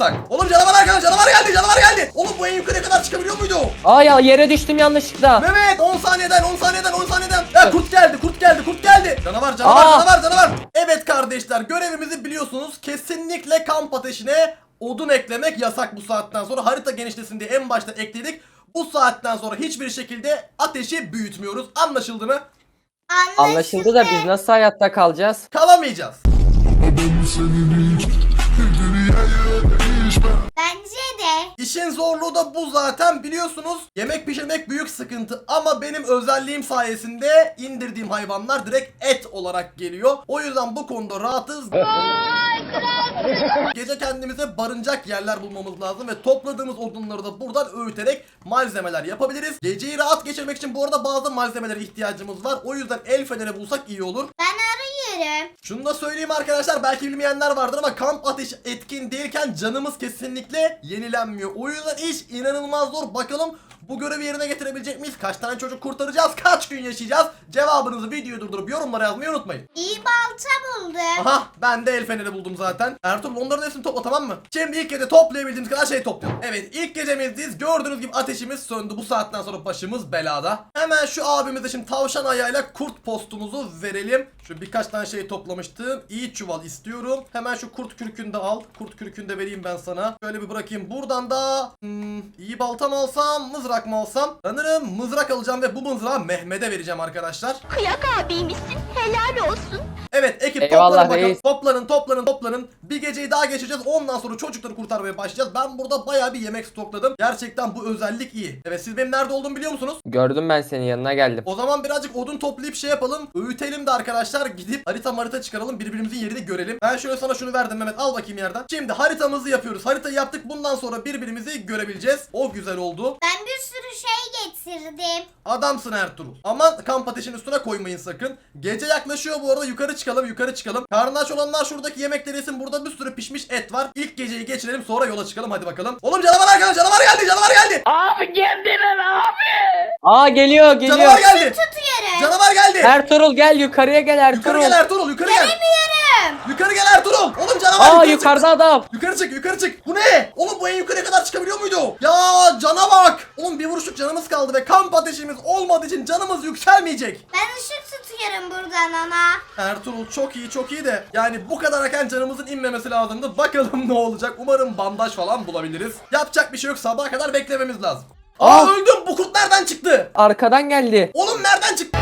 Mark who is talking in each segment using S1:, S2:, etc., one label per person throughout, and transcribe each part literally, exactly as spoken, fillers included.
S1: yapsak? Oğlum canavar geldi, canavar geldi, canavar geldi. Oğlum bu en yukarıya kadar çıkabiliyor muydu?
S2: Aa ya yere düştüm yanlışlıkla.
S1: Mehmet on saniyeden on saniyeden on saniyeden. Ya kurt geldi, kurt geldi, kurt geldi. Canavar, canavar,
S2: Aa.
S1: canavar, canavar. Evet kardeşler, görevimizi biliyorsunuz. Kesinlikle kamp ateşine odun eklemek yasak bu saatten sonra. Harita genişlesin diye en başta ekledik. Bu saatten sonra hiçbir şekilde ateşi büyütmüyoruz. Anlaşıldı mı?
S2: Anlaşıldı da biz nasıl hayatta kalacağız?
S1: Kalamayacağız.
S3: Bence de.
S1: İşin zorluğu da bu zaten, biliyorsunuz. Yemek pişirmek büyük sıkıntı ama benim özelliğim sayesinde indirdiğim hayvanlar direkt et olarak geliyor. O yüzden bu konuda rahatız. Gece kendimize barınacak yerler bulmamız lazım ve topladığımız odunları da buradan öğüterek malzemeler yapabiliriz. Geceyi rahat geçirmek için bu arada bazı malzemelere ihtiyacımız var. O yüzden el feneri bulsak iyi olur.
S3: Ben arıyorum.
S1: Şunu da söyleyeyim arkadaşlar, belki bilmeyenler vardır ama kamp ateşi etkin değilken canımız kesinlikle yenilenmiyor. O yüzden iş inanılmaz zor. Bakalım bu görevi yerine getirebilecek miyiz? Kaç tane çocuk kurtaracağız? Kaç gün yaşayacağız? Cevabınızı videoyu durdurup yorumlara yazmayı unutmayın.
S3: İyi balta buldum.
S1: Aha, ben de el feneri buldum zaten. Ertuğrul onların hepsini topla, tamam mı? Şimdi ilk gece toplayabildiğimiz kadar şey toplayalım. Evet, ilk gecemizdeyiz. Gördüğünüz gibi ateşimiz söndü. Bu saatten sonra başımız belada. Hemen şu abimize şimdi tavşan ayağıyla kurt postumuzu verelim. Şu birkaç tane şey toplamıştım. İyi çuval istiyorum. Hemen şu kurt kürkünü de al. Kurt kürkünü de vereyim ben sana. Şöyle bir bırakayım. Buradan da hmm, iyi balta mı alsam, mızrak mı alsam? Sanırım mızrak alacağım ve bu mızrağı Mehmet'e vereceğim arkadaşlar.
S4: Kıyak abiymişsin, helal olsun.
S1: Evet ekip,
S2: Eyvallah
S1: toplanın bakalım.
S2: reis.
S1: Toplanın toplanın toplanın. Bir geceyi daha geçeceğiz. Ondan sonra çocukları kurtarmaya başlayacağız. Ben burada bayağı bir yemek stokladım. Gerçekten bu özellik iyi. Evet, siz benim nerede olduğumu biliyor musunuz?
S2: Gördüm, ben senin yanına geldim.
S1: O zaman birazcık odun toplayıp şey yapalım. Öğütelim de arkadaşlar, gidip harita harita çıkaralım. Birbirimizin yerini görelim. Ben şöyle sana şunu verdim Mehmet, al bakayım yerden. Şimdi haritamızı yapıyoruz. Haritayı yaptık, bundan sonra birbirimizi görebileceğiz. O güzel oldu.
S3: Ben bir sürü şey getirdim.
S1: Adamsın Ertuğrul. Aman kamp ateşinin üstüne koymayın sakın. Gece yaklaşıyor bu arada, yukarı çıkalım yukarı çıkalım. Karnı aç olanlar şuradaki yemekleri yesin, burada bir sürü pişmiş et var. İlk geceyi geçirelim, sonra yola çıkalım, hadi bakalım. Oğlum canavar geldi, canavar geldi, canavar geldi.
S2: Abi geldiler abi. Aa geliyor geliyor.
S1: Canavar geldi.
S3: Tutuyorum.
S1: Canavar geldi.
S2: Ertuğrul gel yukarıya gel Ertuğrul.
S1: Yukarı gel Ertuğrul, yukarı gel.
S3: Gelemiyorum.
S1: Yukarı gel Ertuğrul. Oğlum canavar
S2: Aa
S1: yukarı
S2: yukarıda
S1: çık.
S2: adam.
S1: Yukarı çık, yukarı çık. Bu ne? Oğlum bu en yukarıya kadar çıkabiliyor muydu? Ya cana bak. Oğlum bir vuruşluk canımız kaldı ve kamp ateşimiz olmadığı için canımız yükselmeyecek.
S3: Ben ışık tutuyorum buradan ona.
S1: Ertuğrul çok iyi çok iyi de yani bu kadar erken canımızın inmemesi lazımdı. Bakalım ne olacak. Umarım bandaj falan bulabiliriz. Yapacak bir şey yok, sabaha kadar beklememiz lazım. Aa,
S2: Aa!
S1: öldüm. Bu kurt nereden çıktı?
S2: Arkadan geldi.
S1: Oğlum nereden çıktı?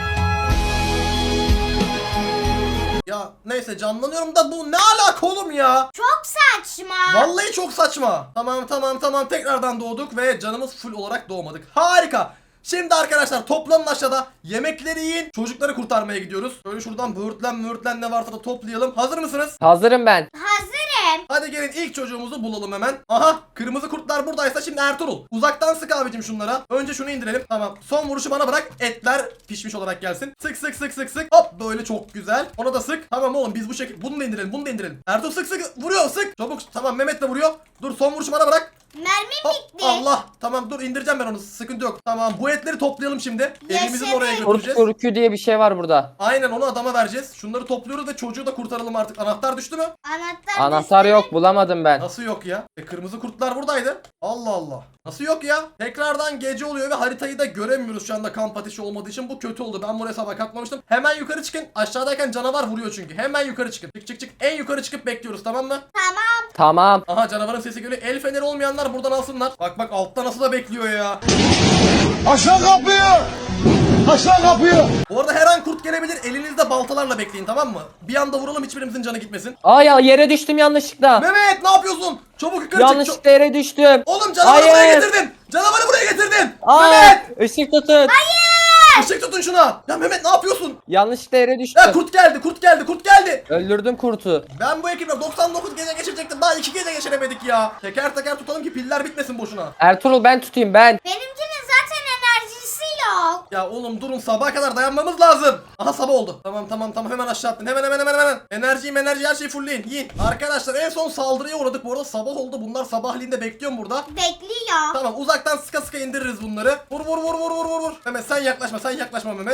S1: Ya neyse, canlanıyorum da bu ne alaka oğlum ya?
S3: Çok saçma.
S1: Vallahi çok saçma. Tamam tamam tamam, tekrardan doğduk ve canımız full olarak doğmadık. Harika. Şimdi arkadaşlar toplanın aşağıda, yemekleri yiyin, çocukları kurtarmaya gidiyoruz. Böyle şuradan böğürtlen böğürtlen ne varsa da toplayalım. Hazır mısınız?
S2: Hazırım ben.
S3: Hazırım.
S1: Hadi gelin ilk çocuğumuzu bulalım hemen. Aha, kırmızı kurtlar buradaysa şimdi Ertuğrul. Uzaktan sık abicim şunlara. Önce şunu indirelim. Tamam, son vuruşu bana bırak. Etler pişmiş olarak gelsin. Sık sık sık sık sık. Hop, böyle çok güzel. Ona da sık. Tamam oğlum, biz bu şekilde bunu da indirelim, bunu da indirelim. Ertuğrul sık sık vuruyor, sık. Çabuk, tamam Mehmet de vuruyor. Dur, son vuruşu bana bırak.
S3: Mermim
S1: Hop,
S3: bitti.
S1: Allah, tamam dur, indireceğim ben onu, sıkıntı yok. Tamam, bu etleri toplayalım şimdi. Evimizin
S3: Yaşasın.
S1: oraya
S2: Kurt
S1: götüreceğiz.
S2: kürkü diye bir şey var burada.
S1: Aynen, onu adama vereceğiz. Şunları topluyoruz ve çocuğu da kurtaralım artık. Anahtar düştü mü?
S3: Anahtar,
S2: Anahtar
S3: düştü.
S2: yok, bulamadım ben.
S1: Nasıl yok ya? E, kırmızı kurtlar buradaydı. Allah Allah. Nasıl yok ya? Tekrardan gece oluyor ve haritayı da göremiyoruz şu anda kamp ateşi olmadığı için. Bu kötü oldu. Ben buraya sabah katmamıştım. Hemen yukarı çıkın. Aşağıdayken canavar vuruyor çünkü. Hemen yukarı çıkın. Çık çık çık. En yukarı çıkıp bekliyoruz, tamam mı?
S3: Tamam.
S2: Tamam.
S1: Aha, canavarın sesi geliyor. El feneri olmayanlar buradan alsınlar. Bak bak, altta nasıl da bekliyor ya.
S5: Aşağı kapıyı! Aşağı kapıyı!
S1: Bu arada her an kurt gelebilir. Elinizde baltalarla bekleyin, tamam mı? Bir anda vuralım, hiçbirimizin canı gitmesin.
S2: Aa ya yere düştüm yanlışlıkla.
S1: Mehmet ne yapıyorsun? Çabuk yukarı çık.
S2: Yanlışlıkla yere düştüm.
S1: Oğlum canavarı buraya
S2: Hayır.
S1: getirdin. Canavarı buraya getirdin.
S2: Aa,
S1: Mehmet!
S2: ışık tutun.
S1: Işık tutun şuna. Ya Mehmet ne yapıyorsun?
S2: Yanlışlıkla yere düştüm.
S1: Ya kurt geldi, kurt geldi, kurt geldi.
S2: Öldürdüm kurtu.
S1: Ben bu ekiple doksan dokuz gece geçirecektim. Daha iki gece geçiremedik ya. Teker teker tutalım ki piller bitmesin boşuna.
S2: Ertuğrul ben tutayım ben.
S3: Benimkinin zaten enerjisi yok.
S1: Ya oğlum durun, sabaha kadar dayanmamız lazım. Aha, sabah oldu. Tamam tamam tamam, hemen aşağı attın. Hemen hemen hemen hemen. Enerjiyi enerji her şeyi fullleyin. Yiyin. Arkadaşlar en son saldırıya uğradık bu arada, sabah oldu. Bunlar sabahleyin de bekliyorum burada.
S3: Bekliyor.
S1: Tamam, uzaktan sıka sıka indiririz bunları. Vur vur vur vur vur vur vur. Mehmet sen yaklaşma, sen yaklaşma Mehmet.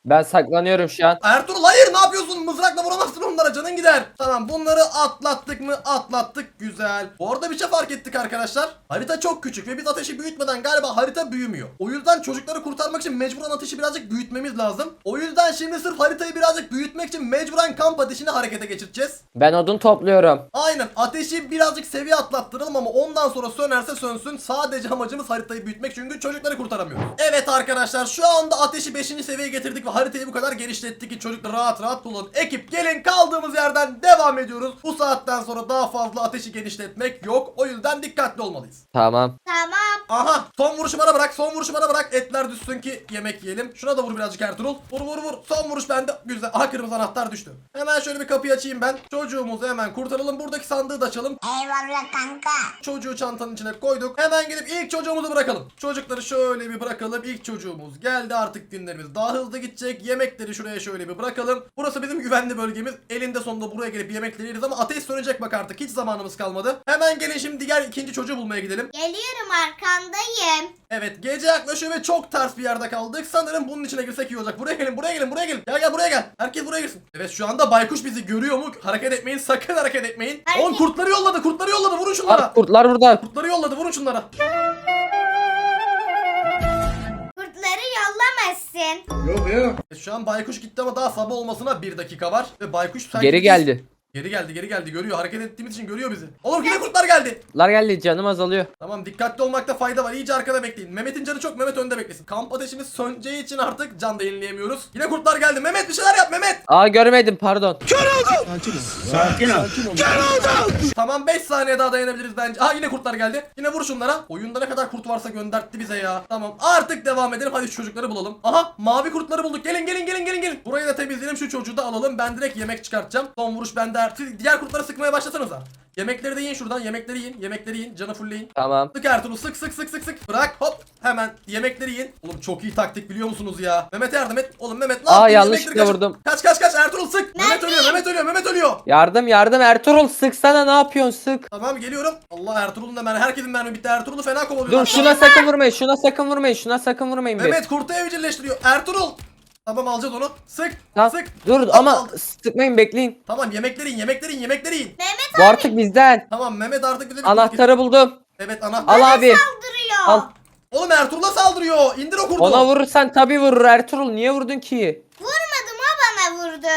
S2: Ben saklanıyorum şu an.
S1: Ertuğrul hayır, ne yapıyorsun? Mızrakla vuramazsın onlara, canın gider. Tamam, bunları atlattık mı? Atlattık, güzel. Bu arada bir şey fark ettik arkadaşlar. Harita çok küçük ve biz ateşi büyütmeden galiba harita büyümüyor. O yüzden çocukları kurtarmak için mecburen ateşi birazcık büyütmemiz lazım. O yüzden şimdi sırf haritayı birazcık büyütmek için mecburen kamp ateşini harekete geçireceğiz.
S2: Ben odun topluyorum.
S1: Aynen, ateşi birazcık seviye atlattıralım ama ondan sonra sönerse sönsün. Sadece amacımız haritayı büyütmek, çünkü çocukları kurtaramıyoruz. Evet arkadaşlar, şu anda ateşi beşinci seviyeye getirdik ve haritayı bu kadar genişlettik ki çocuklar rahat rahat kullanın. Ekip gelin, kaldığımız yerden devam ediyoruz. Bu saatten sonra daha fazla ateşi genişletmek yok. O yüzden dikkatli olmalıyız.
S2: Tamam.
S3: Tamam.
S1: Aha, son vuruşu bana bırak, son vuruşu bana bırak. Etler düşsün ki yemek yiyelim. Şuna da vur birazcık Ertuğrul. Vur vur vur. Son vuruş bende. Güzel. Aha, kırmızı anahtar düştü. Hemen şöyle bir kapıyı açayım ben. Çocuğumuzu hemen kurtaralım. Buradaki sandığı da açalım.
S3: Eyvallah kanka.
S1: Çocuğu çantanın içine koyduk. Hemen gidip ilk çocuğumuzu bırakalım. Çocukları şöyle bir bırakalım. İlk çocuğumuz geldi, artık günlerimiz daha hızlı gidecek. Yemekleri şuraya şöyle bir bırakalım. Burası bizim güvenli bölgemiz. Elinde sonunda buraya gelip yemekleri yeriz ama ateş sönecek bak artık. Hiç zamanımız kalmadı. Hemen gelin şimdi diğer ikinci çocuğu bulmaya gidelim.
S3: Geliyorum, arkandayım.
S1: Evet, gece yaklaşıyor ve çok ters bir yerde kaldık. Sanırım bunun içine girsek iyi olacak. Buraya gelin, buraya gelin, buraya gelin. Gel gel, buraya gel. Herkes buraya girsin. Evet, şu anda baykuş bizi görüyor mu? Hareket etmeyin, sakın hareket etmeyin.
S3: Hareket-
S1: On kurtları yolladı, kurtları yolladı. Vurun şunlara.
S2: Aa, kurtlar burada.
S1: Kurtları yolladı, vurun şunlara.
S3: Kurtları yollamasın.
S5: Yok ya.
S1: Evet, şu an baykuş gitti ama daha sabah olmasına bir dakika var. Ve baykuş sanki
S2: Geri
S1: biz-
S2: geldi.
S1: Geri geldi, geri geldi. Görüyor. Hareket ettiğimiz için görüyor bizi. Oğlum yine kurtlar geldi.
S2: Kurtlar geldi, canım azalıyor.
S1: Tamam, dikkatli olmakta fayda var. İyice arkada bekleyin. Mehmet'in canı çok, Mehmet önde beklesin. Kamp ateşimiz söneceği için artık can da yenileyemiyoruz. Yine kurtlar geldi. Mehmet bir şeyler yap Mehmet.
S2: Aa, görmedim, pardon.
S5: Sakin ol.
S1: Tamam, beş saniye daha dayanabiliriz bence. Aha, yine kurtlar geldi. Yine vur şunlara. Oyunda ne kadar kurt varsa göndertti bize ya. Tamam, artık devam edelim. Hadi şu çocukları bulalım. Aha, mavi kurtları bulduk. Gelin gelin gelin gelin gelin. Burayı da temizleyelim, şu çocuğu da alalım. Ben direkt yemek çıkartacağım. Son vuruş bende. Siz diğer kurtları sıkmaya başlasanıza. Yemekleri de yiyin şuradan. Yemekleri yiyin. Yemekleri yiyin. Canı fullleyin.
S2: Tamam.
S1: Sık Ertuğrul, sık sık sık sık sık. Bırak, hop. Hemen yemekleri yiyin. Oğlum çok iyi taktik, biliyor musunuz ya? Mehmet'e yardım et. Oğlum Mehmet ne
S2: Aa,
S1: yaptın?
S2: yanlışlıkla
S1: Yemekleri kaçır-
S2: vurdum.
S1: Kaç kaç kaç Ertuğrul, sık. Mehmet ölüyor, Mehmet ölüyor, Mehmet ölüyor.
S2: Yardım yardım Ertuğrul, sıksana, ne yapıyorsun, sık.
S1: Tamam, geliyorum. Allah, Ertuğrul'un da mermi. Herkesin mermi bitti. Ertuğrul'u fena kovalıyorlar.
S2: Dur, şuna sakın vurmayın, şuna sakın vurmayın, şuna sakın vurmayın bir.
S1: Mehmet kurtu evcilleştiriyor. Ertuğrul. Tamam, alacağız onu. Sık.
S2: Tamam.
S1: Sık.
S2: Dur
S1: Hop,
S2: ama
S1: aldık.
S2: sıkmayın, bekleyin.
S1: Tamam, yemekleri yiyin, yemekleri yiyin, yemekleri yiyin.
S3: Mehmet
S2: Bu artık bizden.
S1: Tamam, Mehmet artık bize bir
S2: Anahtarı buldum.
S1: Evet, anahtar.
S2: Al abi.
S3: saldırıyor.
S2: Al.
S1: Oğlum Ertuğrul'a saldırıyor. İndir o kurdu.
S2: Ona vurursan tabii vurur Ertuğrul. Niye vurdun ki?
S3: Vurmadım, o bana vurdu.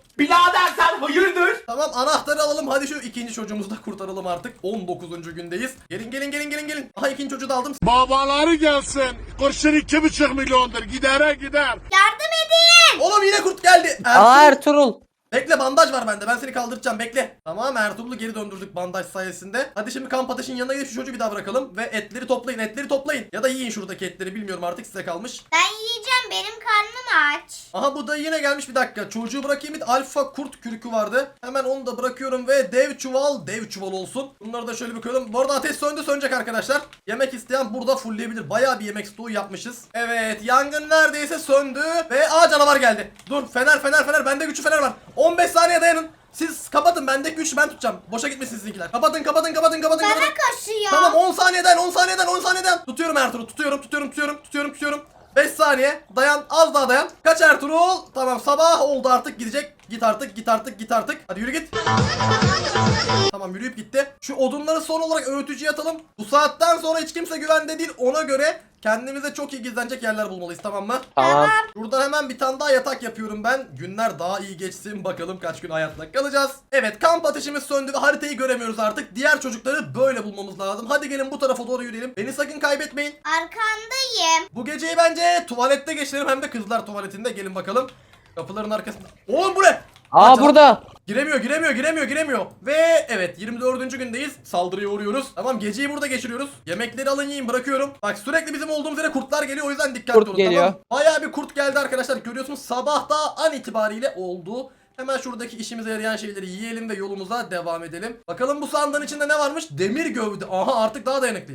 S1: Tamam, anahtarı alalım. Hadi şu ikinci çocuğumuzu da kurtaralım artık. on dokuzuncu gündeyiz. Gelin gelin gelin gelin gelin. Aha, ikinci çocuğu da aldım.
S5: Babaları gelsin. Kurşun iki buçuk milyondur. Gidere gider.
S3: Yardım edin.
S1: Oğlum yine kurt geldi.
S2: Aa,
S1: Ertuğrul.
S2: Ertuğrul.
S1: Bekle, bandaj var bende. Ben seni kaldıracağım, bekle. Tamam, Ertuğrul'u geri döndürdük bandaj sayesinde. Hadi şimdi kamp ateşinin yanına gidip şu çocuğu bir daha bırakalım. Ve etleri toplayın, etleri toplayın. Ya da yiyin şuradaki etleri, bilmiyorum artık, size kalmış.
S3: Ben yiyeceğim, benim karnım aç.
S1: Aha, bu da yine gelmiş, bir dakika. Çocuğu bırakayım, bir alfa kurt kürkü vardı. Hemen onu da bırakıyorum ve dev çuval, dev çuval olsun. Bunları da şöyle bir koyalım. Bu arada ateş söndü, sönecek arkadaşlar. Yemek isteyen burada fullleyebilir. Bayağı bir yemek stoğu yapmışız. Evet, yangın neredeyse söndü. Ve aa, canavar geldi. Dur, fener fener fener, bende güçlü fener var. on beş saniye dayanın. Siz kapatın, bendeki güçlü ben tutacağım. Boşa gitmesin sizinkiler. Kapatın kapatın kapatın kapatın.
S3: Bana
S1: kapatın.
S3: koşuyor.
S1: Tamam, on saniyeden on saniyeden on saniyeden. Tutuyorum Ertuğrul, tutuyorum tutuyorum tutuyorum tutuyorum tutuyorum. beş saniye dayan, az daha dayan. Kaç Ertuğrul? Tamam, sabah oldu artık, gidecek. Git artık, git artık, git artık. Hadi yürü git. Tamam, yürüyüp gitti. Şu odunları son olarak öğütücüye atalım. Bu saatten sonra hiç kimse güvende değil, ona göre kendimize çok iyi gizlenecek yerler bulmalıyız, tamam mı?
S2: Tamam.
S1: Buradan hemen bir tane daha yatak yapıyorum ben. Günler daha iyi geçsin, bakalım kaç gün hayatta kalacağız. Evet, kamp ateşimiz söndü ve haritayı göremiyoruz artık. Diğer çocukları böyle bulmamız lazım. Hadi gelin bu tarafa doğru yürüyelim. Beni sakın kaybetmeyin.
S3: Arkandayım.
S1: Bu geceyi bence tuvalette geçirelim, hem de kızlar tuvaletinde. Gelin bakalım. Kapıların arkasında. Oğlum bu ne?
S2: Aa,
S1: Aa,
S2: burada.
S1: Giremiyor, giremiyor, giremiyor, giremiyor. Ve evet, yirmi dördüncü gündeyiz. Saldırıya uğruyoruz. Tamam, geceyi burada geçiriyoruz. Yemekleri alın, yiyin, bırakıyorum. Bak, sürekli bizim olduğumuz yere kurtlar geliyor, o yüzden dikkatli
S2: Kurt
S1: olun.
S2: geliyor.
S1: Tamam. Bayağı bir kurt geldi arkadaşlar. Görüyorsunuz, sabah da an itibariyle oldu. Hemen şuradaki işimize yarayan şeyleri yiyelim ve yolumuza devam edelim. Bakalım bu sandığın içinde ne varmış? Demir gövde. Aha, artık daha dayanıklıyım.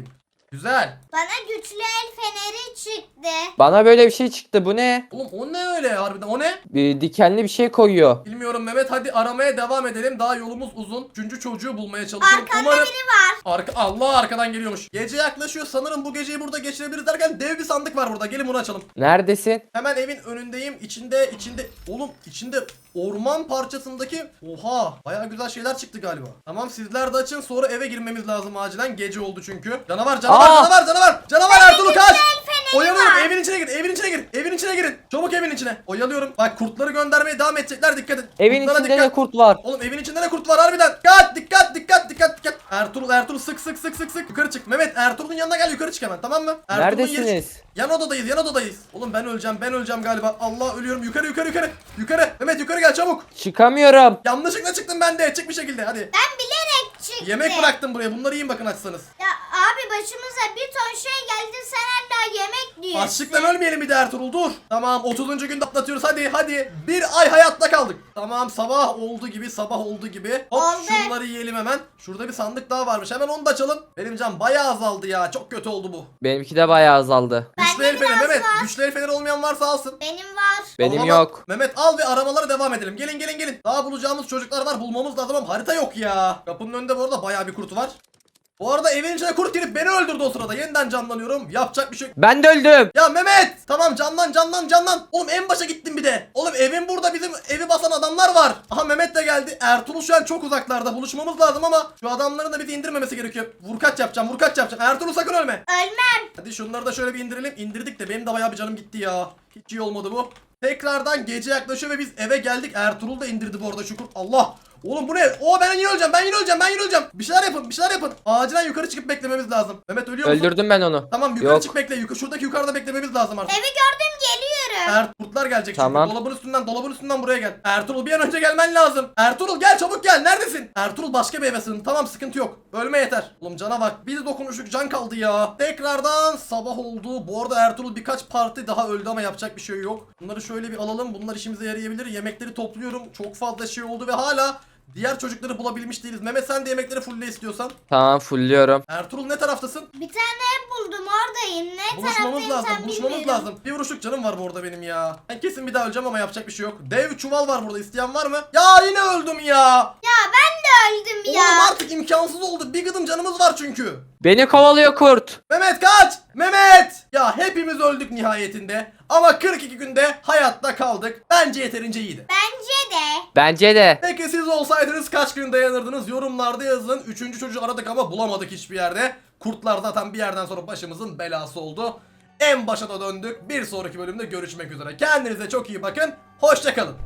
S1: Güzel.
S3: Bana güçlü el feneri çıktı.
S2: Bana böyle bir şey çıktı. Bu ne?
S1: Oğlum o ne öyle harbiden, o ne?
S2: Bir dikenli bir şey koyuyor.
S1: Bilmiyorum Mehmet, hadi aramaya devam edelim. Daha yolumuz uzun. Üçüncü çocuğu bulmaya çalışıyorum.
S3: Arkanda
S1: Umarım...
S3: biri var.
S1: Arka... Allah, arkadan geliyormuş. Gece yaklaşıyor, sanırım bu geceyi burada geçirebiliriz derken dev bir sandık var burada. Gelin bunu açalım.
S2: Neredesin?
S1: Hemen evin önündeyim. İçinde içinde oğlum içinde orman parçasındaki, oha, bayağı güzel şeyler çıktı galiba. Tamam, sizler de açın, sonra eve girmemiz lazım acilen. Gece oldu çünkü. Canavar canavar
S2: Aa!
S1: canavar canavar. Canavar Ertuğrul kaç.
S3: feneri
S1: Oyalıyorum,
S3: var.
S1: evin içine gir. Evin içine gir. Evin içine girin. Çabuk evin içine. Oyalıyorum. Bak, kurtları göndermeye devam edecekler, dikkat et.
S2: Evin
S1: Kurtlara
S2: içinde
S1: dikkat.
S2: de kurt var.
S1: Oğlum evin içinde ne kurt var harbiden. Dikkat dikkat dikkat dikkat dikkat. Ertuğrul Ertuğrul sık sık sık sık sık. Yukarı çık. Mehmet, Ertuğrul'un yanına gel, yukarı çık hemen, tamam mı? Ertuğrul'un yeri-
S2: Neredesiniz?
S1: Yan odadayız, yan odadayız. Oğlum ben öleceğim, ben öleceğim galiba. Allah, ölüyorum. Yukarı yukarı yukarı. Yukarı. Mehmet yukarı gel çabuk.
S2: Çıkamıyorum.
S1: Yanlışlıkla çıktım ben de. Çık bir şekilde hadi.
S3: Ben bilerek çıktım.
S1: Yemek bıraktım buraya. Bunları yiyin bakın açsanız.
S3: Ya abi başımıza bir ton şey geldi, sen hala yemek diyorsun.
S1: Açlıktan ölmeyelim bir de Ertuğrul, dur. Tamam, otuzuncu günde atlatıyoruz, hadi hadi. Bir ay hayatta kaldık. Tamam, sabah oldu gibi, sabah oldu gibi. Hop,
S3: Oldu.
S1: şunları yiyelim hemen. Şurada bir sandık daha varmış, hemen onu da açalım. Benim can bayağı azaldı ya, çok kötü oldu bu.
S2: Benimki de bayağı azaldı.
S1: Güçlü
S3: Bende
S1: el feneri
S3: biraz
S1: Mehmet,
S3: var.
S1: güçlü el feneri olmayan varsa alsın.
S3: Benim var.
S2: Benim
S1: Ama
S2: yok.
S1: Mehmet al ve aramalara devam edelim. Gelin gelin gelin. Daha bulacağımız çocuklar var, bulmamız lazım ama harita yok ya. Kapının önünde bu arada bayağı bir kurt var. Bu arada evin içine kurt girip beni öldürdü o sırada. Yeniden canlanıyorum. Yapacak bir şey yok.
S2: Ben de öldüm.
S1: Ya Mehmet! Tamam, canlan canlan canlan. Oğlum en başa gittim bir de. Oğlum evin burada, bizim evi basan adamlar var. Aha, Mehmet de geldi. Ertuğrul şu an çok uzaklarda. Buluşmamız lazım ama şu adamların da bizi indirmemesi gerekiyor. Vurkaç yapacağım, vurkaç yapacağım. Ertuğrul sakın ölme.
S3: Ölmem.
S1: Hadi şunları da şöyle bir indirelim. İndirdik de benim de bayağı bir canım gitti ya. Hiç iyi olmadı bu. Tekrardan gece yaklaşıyor ve biz eve geldik. Ertuğrul da indirdi bu arada, şükür. Allah! Oğlum bu ne? Oo, ben yine öleceğim, ben yine öleceğim, ben yine öleceğim. Bir şeyler yapın, bir şeyler yapın. Acilen yukarı çıkıp beklememiz lazım. Mehmet ölüyor musun?
S2: Öldürdüm ben onu.
S1: Tamam, yukarı
S2: Yok.
S1: çık bekle. Yukarı, şuradaki yukarıda beklememiz lazım artık.
S3: Evi gördüm, geliyorum.
S1: Er kurtlar gelecek
S2: Tamam.
S1: çünkü. Dolabın üstünden, dolabın üstünden buraya gel. Ertuğrul bir an önce gelmen lazım. Ertuğrul gel, çabuk gel. Neredesin? Ertuğrul başka bir eve sığın. Tamam, sıkıntı yok. Ölme yeter. Oğlum cana bak. Bir dokunuşluk can kaldı ya. Tekrardan sabah oldu. Bu arada Ertuğrul birkaç parti daha öldü ama yapacak bir şey yok. Bunları şöyle bir alalım. Bunlar işimize yarayabilir. Yemekleri topluyorum. Çok fazla şey oldu ve hala diğer çocukları bulabilmiş değiliz. Mehmet, sen de yemekleri fulle istiyorsan.
S2: Tamam, fullüyorum.
S1: Ertuğrul ne taraftasın?
S3: Bir tane ev buldum, oradayım. Ne
S1: Buluşmamız
S3: taraftayım
S1: lazım,
S3: sen
S1: buluşmamız
S3: bilmiyorum.
S1: lazım. Bir vuruşluk canım var bu arada benim ya. Ben kesin bir daha öleceğim ama yapacak bir şey yok. Dev çuval var burada, isteyen var mı? Ya yine öldüm ya.
S3: Ya ben de öldüm ya.
S1: Oğlum artık imkansız oldu. Bir gıdım canımız var çünkü.
S2: Beni kovalıyor kurt.
S1: Mehmet kaç! Mehmet! Ya hepimiz öldük nihayetinde. Ama kırk iki günde hayatta kaldık. Bence yeterince iyiydi.
S3: Bence de.
S2: Bence de.
S1: Peki siz olsaydınız kaç gün dayanırdınız? Yorumlarda yazın. Üçüncü çocuğu aradık ama bulamadık hiçbir yerde. Kurtlar zaten bir yerden sonra başımızın belası oldu. En başa da döndük. Bir sonraki bölümde görüşmek üzere. Kendinize çok iyi bakın. Hoşça kalın.